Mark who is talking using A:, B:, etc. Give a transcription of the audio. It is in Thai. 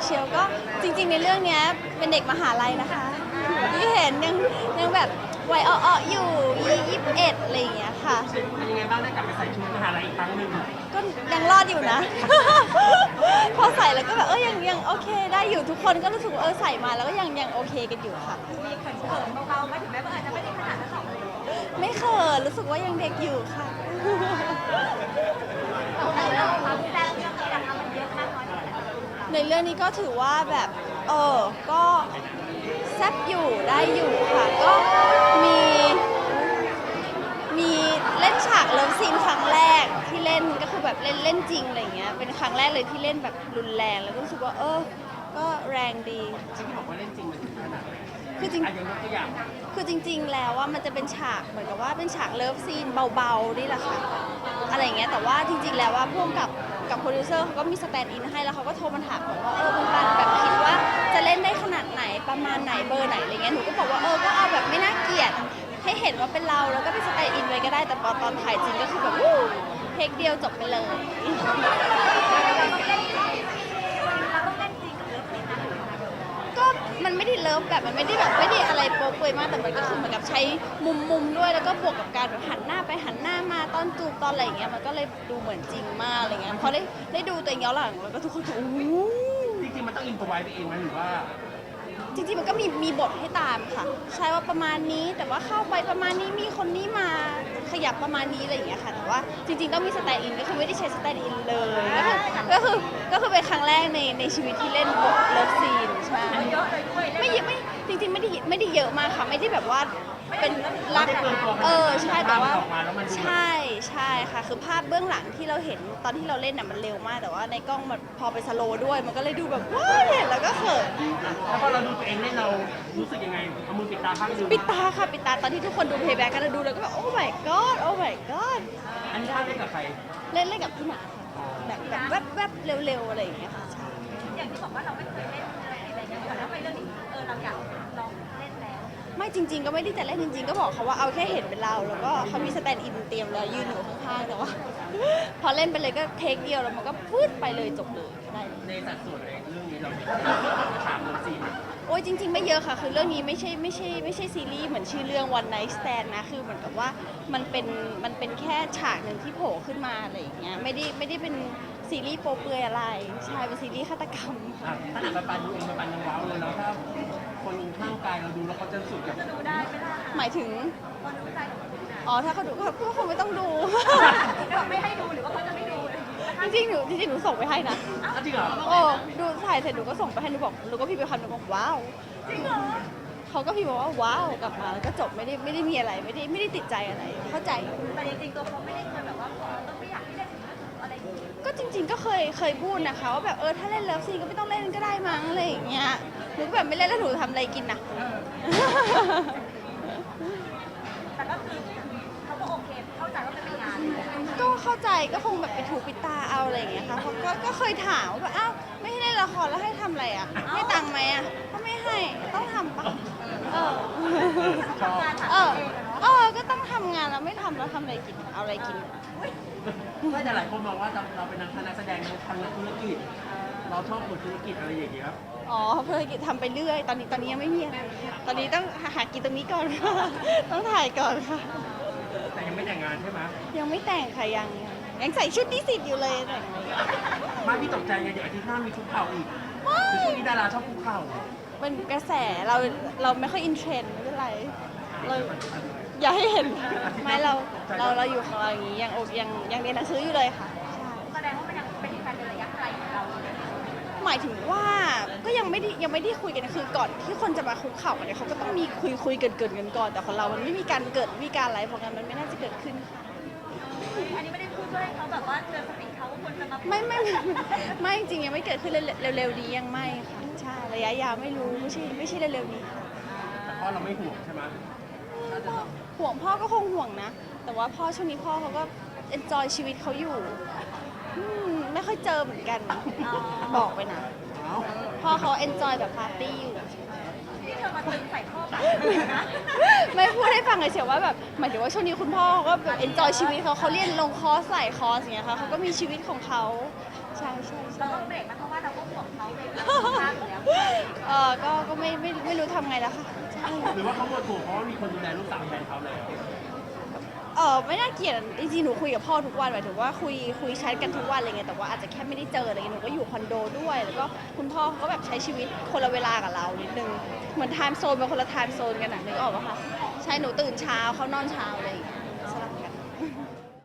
A: เชลก็จริงๆในเรื่องนี้เป็นเด็กมหาลัยนะคะที่เห็นยังแบบวัยอ้อๆอยู่21อะไรอย่างเงี้ยค่ะ
B: เป็นยังไงบ้างได้กลับไปใส่ชุดมหาลัยอีกครั้งหนึ่ง
A: ก็ยังรอดอยู่นะ พอใส่แล้วก็แบบยังโอเคได้อยู่ทุกคนก็รู้สึกว่าใส่มาแล้วก็ยังโอเคกันอยู่ค่ะ
C: มีเขินเบาๆไหมถึงแม้ว่าอาจจะไม่ได้ขนาดนั้นหรอกเลย
A: ไม่เขินรู้สึกว่ายังเด็กอยู่ค่ะ
C: แต่เรื่องความแซ่บเรื่องอะไรนะคะมันเยอะมากน้อยแค่ไหน
A: ในเรื่องนี้ก็ถือว่าแบบก็แซ่บอยู่ได้อยู่ค่ะก็มีเล่นฉากเลิฟซีนครั้งแรกที่เล่นก็คือแบบเล่นจริงอะไรเงี้ยเป็นครั้งแรกเลยที่เล่นแบบรุนแรงแล้วก็รู้สึกว่าก็แรงดี
B: ที่บอกว่าเล่นจริงมันถึงขนาดไหน
A: คือจริง
B: ยังยกตัวอย่าง
A: คือจริงๆแล้วว่ามันจะเป็นฉากเหมือนกับว่าเป็นฉากเลิฟซีนเบาๆนี่แหละค่ะอะไรเงี้ยแต่ว่าจริงๆแล้วว่าพ่วงกับโปรดิวเซอร์เขาก็มีสแตนด์อินให้แล้วเขาก็โทรมาถามบอกว่าคุณปานแบบคิดว่าจะเล่นได้ขนาดไหนประมาณไหนเบอร์ไหนอะไรเงี้ยหนูก็บอกว่าก็เอาแบบไม่น่าเกลียดให้เห็นว่าเป็นเราแล้วก็เป็นสแตนด์อินไว้ก็ได้แต่ตอนถ่ายจริงก็คือแบบเทคเดียวจบไปเลย
C: เราต้องเล่นจริงกับเลิฟซีนนั้น
A: ก็มันไม่ได้เลิฟแบบมันไม่ได้แบบไม่ได้อะไรโป๊ะเปอยมากแต่มันก็คือเหมือนกับใช้มุมด้วยแล้วก็บวกกับการแบบหันหน้าไปหันหน้ามาตอนจูบตอนอะไรอย่างเงี้ยมันก็เลยดูเหมือนจริงมากอะไรเงี้ยพอได้ดูตัวเองย้อนหลังแล้วก็ทุกคนโอ้โห
B: จริงๆมันต้องอินพอไว้ไปเองไหมหรือว่า
A: จริงๆมันก็มีบทให้ตามค่ะใช่ว่าประมาณนี้แต่ว่าเข้าไปประมาณนี้มีคนนี้มาขยับประมาณนี้อะไรอย่างเงี้ยค่ะแต่ว่าจริงๆต้องมีสแตนด์อินก็คือไม่ได้ใช้สแตนด์อินเลยก็คือเป็นครั้งแรกในชีวิตที่เล่นบทเลิฟซีนใช่ไม่จริงๆไม่ได้เยอะมากค่ะไม่ได้แบบว่าเป็นรักใช่แต่ว่าใช่ค่ะคือภาพเบื้องหลังที่เราเห็นตอนที่เราเล่นน่ะมันเร็วมากแต่ว่าในกล้องมันพอไปสโลว์ด้วยมันก็เลยดูแบบว้าวเห็นแล้วก็เขิน
B: แล้วพอเราดูตัวเองเล่นเรารู้สึกยังไงเอามือปิดตาข้างนึง
A: ปิดตาค่ะปิดตาตอนที่ทุกคนดูเพย์แบ็กกันดูแล้วก็แบบโอ้ my god โอ้ my god
B: อันนี้ท่าเล่นกับใคร
A: เล่นกับพี่หนาค่ะแบบแวบเร็วๆอะไรอย่างเงี้ยค่ะใช่
C: อย่างที่บอกว่าเราไม่เคยเล่นอะไรอย่างเงี้ยแล้วไปเรื่องนี้เราอยากลองเล่นแล้ว
A: ไม่จริงๆก็ไม่ได้จะเล่นจริงๆก็บอกเขาว่าเอาแค่เห็นเป็นเราแล้วก็เขามีสแตนด์อินเตรียมแล้วยืนอยู่ข้างๆแต่ว่า พอเล่นไปเลยก็เทคเดียวแล้วมันก็พูดไปเลยจบเลยได้
B: ในสัดส่วนเองเรื่องนี้เราฉากเลิฟซีน
A: โอ้ยจริงๆไม่เยอะค่ะคือเรื่องนี้ไม่ใช่ซีรีส์เหมือนชื่อเรื่อง One Night Stand นะคือเหมือนกับว่ามันเป็นแค่ฉากหนึ่งที่โผล่ขึ้นมาอะไรอย่างเงี้ยไม่ได้เป็นซีรีส์โป๊เปลือยอะไรใช่เป็นซีรีส์ฆาตกรรม
B: ถ้าหนังปันดูเองปันยังว้าวเลยแล้วถ้าคนข้างกายเราดูแล้วเขาจะรู้สึกแบบ
C: จะดูได้ไหมล่ะ
A: หมายถึง
C: คนรู้ใจของคุณนะ
A: อ๋อถ้าเขาดูก็คงไม่ต้องดู
C: แบบไม่ให้ดูหรือว่าเขาจะไม่ดู
A: จริงๆหนูส่งไปให้นะ
B: จริงเหรอ
A: โอ้ดูถ่ายเสร็จหนูก็ส่งไปให้หนูบอกหนูก็พิมพ์ไปคำหนูบอกว้าว
C: จริงเหรอ
A: เขาก็พิมพ์บอกว่าว้าวกลับมาแล้วก็จบไม่ได้มีอะไรไม่ได้ติดใจอะไรเข้าใจ
C: แต่จริงๆตัวเขาไม่ได้เคยแบบว่าต้องไม่อยากให้เล่นอะไรอย่างเงี้ย
A: ก็จริงๆก็เคยพูดนะคะว่าแบบถ้าเล่นเลิฟซีนก็ไม่ต้องเล่นก็ได้มั้งอะไรอย่างเงี้ยหนูก็แบบไม่เล่นแล้วหนูทำอะไรกินนะ
C: แต่ก็คือเขาก็โอเคเข้าใจว่าเป็นงาน
A: ก็เข้าใจก็คงแบบไปถูปิดตาเอาอะไรอย่างเงี้ยค่ะเพราะก็เคยถามว่าอ้าวไม่ให้เล่นละครแล้วให้ทำอะไรอ่ะให้ตังค์ไหมอ่ะก็ไม่ให้ต้องทำปะก็ต้องทำงานแล้วไม่ทำแล้วทำอะไรกินเอาอะไรกิน
B: ไม่แต่หลายคนมองว่าเราเป็นนักแสดงทางธุรกิจเราชอบบทธุรกิจอะไรอย่างเงี้ย
A: อ๋อธุรกิจทำไปเรื่อยตอนนี้ยังไม่มีอะไรตอนนี้ต้องหากินตรงนี้ก่อนต้องถ่ายก่อนค่ะ
B: แต่ยังไม่แต่งงานใช่ไหม
A: ยังไม่แต่งค่ะยังใส่ชุดนิสิตอยู่เลยแต่ง
B: มาพี่ตกใจไงเดี๋ยวอาทิตย์หน้ามีชุดเข่าอีกคือช่วงนี้ดาราชอบคุกเข่า
A: เป็นกระแสเราไม่ค่อยอินเทรนด์ไม่เป็นไรเราอย่าให้เห็นไม่เราอยู่ของเราอย่างนี้ยังเรียนหนังสืออยู่เลยค่ะ
C: แสดงว่ามันยังเป็นการระยะไกลของเรา
A: หมายถึงว่าก็ยังไม่ได้คุยกันคือก่อนที่คนจะมาคุกเข่าเนี่ยเขาก็ต้องมีคุยเกินกันก่อนแต่ของเรามันไม่มีการเกิดมีการอะไรเพราะงั้นมันไม่น่าจะเกิดขึ้นค่ะ
C: อันนี้ไม่ได้พูดเพื่อให้เขาแบบว่าเตือนสติเขาว่าควรจะมา
A: ไม่จริงยังไม่เกิดขึ้นเร็วๆนี้ยังไม่ค่ะใช่ระยะยาวไม่รู้ไม่ใช่เร็วๆนี้ค่ะ
B: แต่พ่อเราไม่ห่วงใช่ไหม
A: ห่วงพ่อก็คงห่วงนะแต่ว่าพ่อช่วงนี้พ่อเขาก็เอนจอยชีวิตเขาอยู่ไม่ค่อยเจอเหมือนกันบอกไปนะพ่อเขาเอนจอยแบบปาร์ตี้อยู่
C: ที่เธอมาตึงใส่ข้อแบบ
A: ไม่พูดให้ฟังเฉยๆว่าแบบหมายถึงว่าช่วงนี้คุณพ่อเขาก็แบบเอนจอยชีวิตเขาเรียนลงคอร์สใส่คอร์สอย่างเงี้ยค่ะเขาก็มีชีวิตของเขาใช่
C: เราต้องเบรกนะเพราะว่าเราก็ห่วงเขาเลย
A: ก็ไม่รู้ทำไงแล้วค่ะใช่
B: หรือว่าเขาหมดห่วงเพราะว่ามีคนดูแลลูกสาวแทนเขาแล้ว
A: ไม่น่าเกลียดจริงๆหนูคุยกับพ่อทุกวันหมายถึงว่าคุยแชทกันทุกวันอะไรเงี้ยแต่ว่าอาจจะแค่ไม่ได้เจออะไรเงี้ยหนูก็อยู่คอนโดด้วยแล้วก็คุณพ่อเขาก็แบบใช้ชีวิตคนละเวลากับเรานิดนึงเหมือนไทม์โซนเป็นคนละไทม์โซนกันอะนึกออกปะคะใช่หนูตื่นเช้าเขานอนเช้าอะไรอย่างเงี้ย